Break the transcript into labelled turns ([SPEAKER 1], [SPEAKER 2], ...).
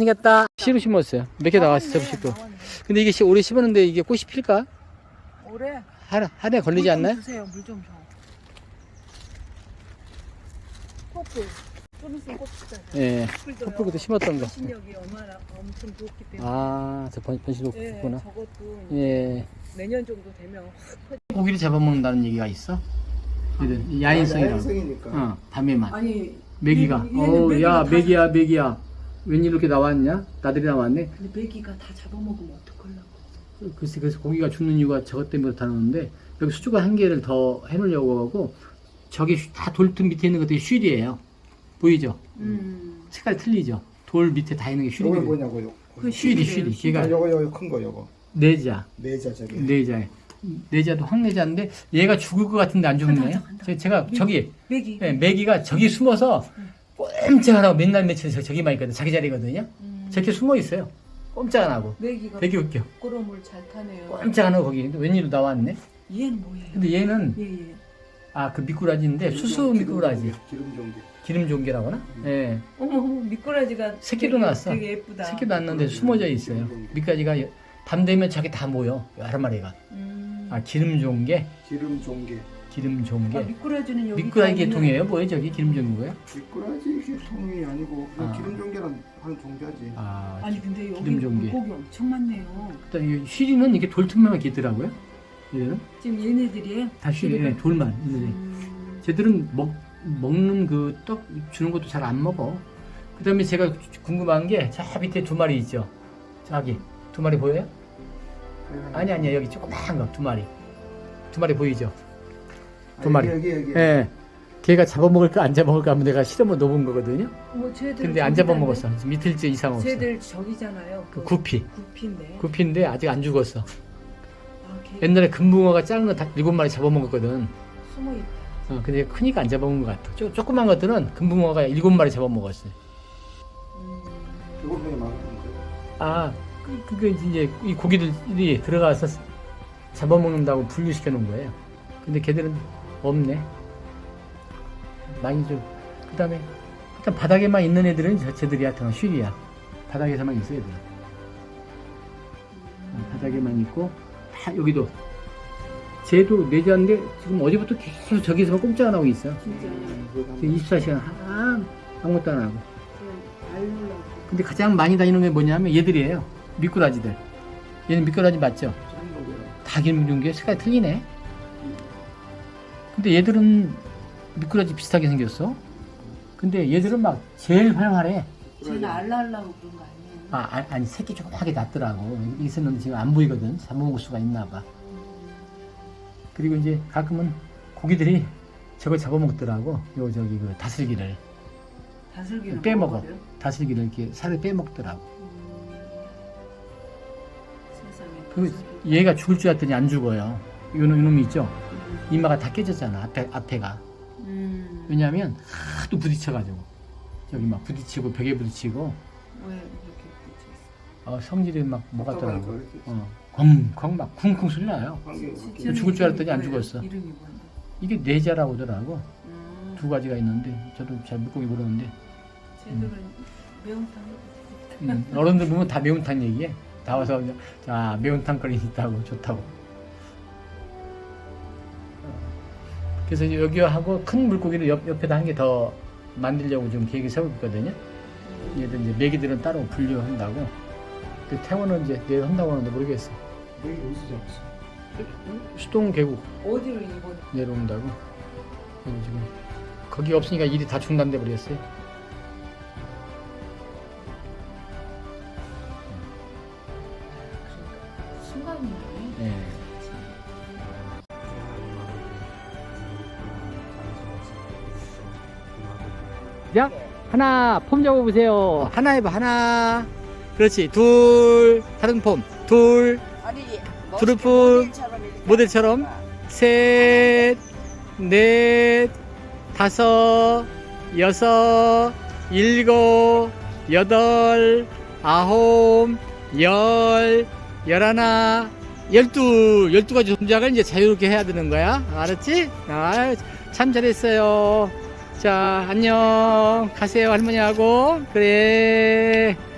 [SPEAKER 1] 생겼다. 씨로 심었어요. 몇 개 나왔어, 접시도. 근데 이게 올해 심었는데 이게 꽃이 필까?
[SPEAKER 2] 올해
[SPEAKER 1] 한 해 걸리지 않나요?
[SPEAKER 2] 주세요. 물 좀 줘. 코프. 좀 있으면 꽃 피잖아요.
[SPEAKER 1] 예. 컵불도 심었던 거.
[SPEAKER 2] 신력이 얼마나 엄청 좋기 때문에.
[SPEAKER 1] 아, 저 번식
[SPEAKER 2] 예,
[SPEAKER 1] 높구나.
[SPEAKER 2] 저것도
[SPEAKER 1] 예.
[SPEAKER 2] 내년 정도 되면
[SPEAKER 1] 고기를 잡아먹는다는 얘기가 있어? 야인성이라고.
[SPEAKER 3] 야인성이니까.
[SPEAKER 1] 밤에만.
[SPEAKER 2] 아니
[SPEAKER 1] 메기가. 야, 메기야. 웬일 이렇게 나왔냐? 나들이 나왔네.
[SPEAKER 2] 근데 메기가 다 잡아먹으면 어떡하려고.
[SPEAKER 1] 글쎄, 그래서 고기가 죽는 이유가 저것 때문에 그렇다는데, 여기 수조가 한 개를 더 해놓으려고 하고, 저기 다 돌틈 밑에 있는 것들이 쉴이에요. 보이죠? 색깔이 틀리죠? 돌 밑에 다 있는 게
[SPEAKER 3] 이거
[SPEAKER 1] 쉴이.
[SPEAKER 3] 뭐냐고요?
[SPEAKER 1] 쉴이. 걔가
[SPEAKER 3] 요거 큰 거 요거.
[SPEAKER 1] 내자.
[SPEAKER 3] 내자 저기.
[SPEAKER 1] 내자도 황내자인데, 얘가 죽을 것 같은데 안 죽네요. 제가 저기,
[SPEAKER 2] 메기.
[SPEAKER 1] 네, 메기가 저기 숨어서 꼼짝 안 하고 맨날 며칠 저기만 있거든. 자기 자리거든요. 저렇게 숨어 있어요. 꼼짝 안 하고.
[SPEAKER 2] 메기가
[SPEAKER 1] 되게 웃겨.
[SPEAKER 2] 부끄러움을 잘 타네요.
[SPEAKER 1] 꼼짝 안 하고 거기. 근데 웬일로 나왔네?
[SPEAKER 2] 얘는 뭐예요?
[SPEAKER 1] 근데 얘는
[SPEAKER 2] 예.
[SPEAKER 1] 그 미꾸라지인데 수수 미꾸라지. 기름 종개라고 하나? 예.
[SPEAKER 2] 어머 미꾸라지가
[SPEAKER 1] 새끼도
[SPEAKER 2] 되게,
[SPEAKER 1] 낳았어.
[SPEAKER 2] 되게 예쁘다.
[SPEAKER 1] 새끼도 낳았는데 숨어져 있어요. 미꾸라지가 밤 되면 저기 다 모여. 여러 마리가. 기름 종개. 기름 종개.
[SPEAKER 2] 미꾸라지는 여기
[SPEAKER 1] 미꾸라지 계통이에요? 뭐예요? 저기 기름 종개고요?
[SPEAKER 3] 미꾸라지 계통이 아니고 기름 종개란 하는 종자지.
[SPEAKER 2] 아니 근데 여기
[SPEAKER 1] 기름 종개.
[SPEAKER 2] 물고기 엄청 많네요.
[SPEAKER 1] 일단 이 쉬리는 이게 돌틈만 있더라고요. 얘들은
[SPEAKER 2] 지금 얘네들이에요?
[SPEAKER 1] 다 쉬리. 돌만 있는데. 쟤들은 먹는 그 떡 주는 것도 잘 안 먹어. 그 다음에 제가 궁금한 게 저 밑에 두 마리 있죠. 저기 두 마리 보여요? 아니야 여기 조그마한 거 두 마리. 두 마리 보이죠? 두 마리.
[SPEAKER 3] 여기.
[SPEAKER 1] 예. 걔가 잡아먹을까 안 잡아먹을까 하면 내가 실험을 넣어본 거거든요. 근데 안 잡아먹었어. 이틀째 이상 없어.
[SPEAKER 2] 쟤들 저기잖아요.
[SPEAKER 1] 그 구피.
[SPEAKER 2] 구피인데.
[SPEAKER 1] 구피인데 아직 안 죽었어. 옛날에 금붕어가 작은 거 다 7마리 잡아먹었거든.
[SPEAKER 2] 숨어있다.
[SPEAKER 1] 근데 크니까 안 잡아먹은 것 같아. 조그만 것들은 금붕어가 7마리 잡아먹었어요.
[SPEAKER 3] 이거 왜 많은데?
[SPEAKER 1] 그게 이제 이 고기들이 들어가서 잡아먹는다고 분류시켜 놓은 거예요. 근데 걔들은 없네. 많이 좀. 그 다음에 일단 바닥에만 있는 애들은 쟤들이야. 쉬리야. 바닥에서만 있어 애들은. 바닥에만 있고 다 여기도 쟤도 내자인데 지금 어제부터 계속 저기서만 꼼짝 안 하고 있어.
[SPEAKER 2] 진짜.
[SPEAKER 1] 지금 24시간 아무것도 안 하고. 근데 가장 많이 다니는 게 뭐냐면 얘들이에요. 미꾸라지들. 얘는 미꾸라지 맞죠? 다 기름 종개 색깔이 틀리네. 근데 얘들은 미꾸라지 비슷하게 생겼어. 근데 얘들은 막 제일 활활해.
[SPEAKER 2] 쟤는 알라하려고 그런 거 아니에요?
[SPEAKER 1] 아니 새끼 조그맣게 났더라고. 있었는데 지금 안 보이거든. 잡아먹을 수가 있나 봐. 그리고 이제 가끔은 고기들이 저걸 잡아먹더라고. 저기 그 다슬기를 빼먹어.
[SPEAKER 2] 먹어버려요?
[SPEAKER 1] 다슬기를 이렇게 살을 빼먹더라고.
[SPEAKER 2] 세상에.
[SPEAKER 1] 얘가 죽을 줄 알았더니 안 죽어요. 요놈이 있죠? 이마가 다 깨졌잖아. 앞에가. 왜냐면 하도 부딪혀가지고. 저기 막 부딪히고 벽에 부딪히고.
[SPEAKER 2] 왜 이렇게 붙였어?
[SPEAKER 1] 성질이 막 뭐같더라고. 쿵쿵 막 쿵쿵 소리 나요. 죽을 줄 알았더니 안 죽었어.
[SPEAKER 2] 이름이 뭔데?
[SPEAKER 1] 이게 내자라고 하더라고. 두 가지가 있는데 저도 잘 물고기 모르는데.
[SPEAKER 2] 쟤들은 매운탕.
[SPEAKER 1] 어른들 보면 다 매운탕 얘기해. 다 와서 자 매운탕 거리 있다고 좋다고. 그래서 여기 하고 큰 물고기를 옆에다 한 개 더 만들려고 좀 계획을 세우고 있거든요. 얘들 이제 메기들은 따로 분류한다고. 그 태원은 이제 내일 한다고 하는데 모르겠어.
[SPEAKER 3] 여기 어디서 잡았어?
[SPEAKER 1] 수동 계곡
[SPEAKER 2] 어디로 이번?
[SPEAKER 1] 내려온다고. 그래서 지금 거기 없으니까 일이 다 중단돼 버렸어요.
[SPEAKER 2] 순간이네.
[SPEAKER 1] 네. 자, 하나 폼 잡아보세요. 하나 해봐, 하나. 그렇지, 둘. 다른 폼, 둘.
[SPEAKER 4] 아니,
[SPEAKER 1] 두루프 모델처럼. 셋, 넷, 다섯, 여섯, 일곱, 여덟, 아홉, 열, 열하나, 12가지 동작을 이제 자유롭게 해야 되는 거야. 알았지? 참 잘했어요. 자, 안녕. 가세요, 할머니하고. 그래.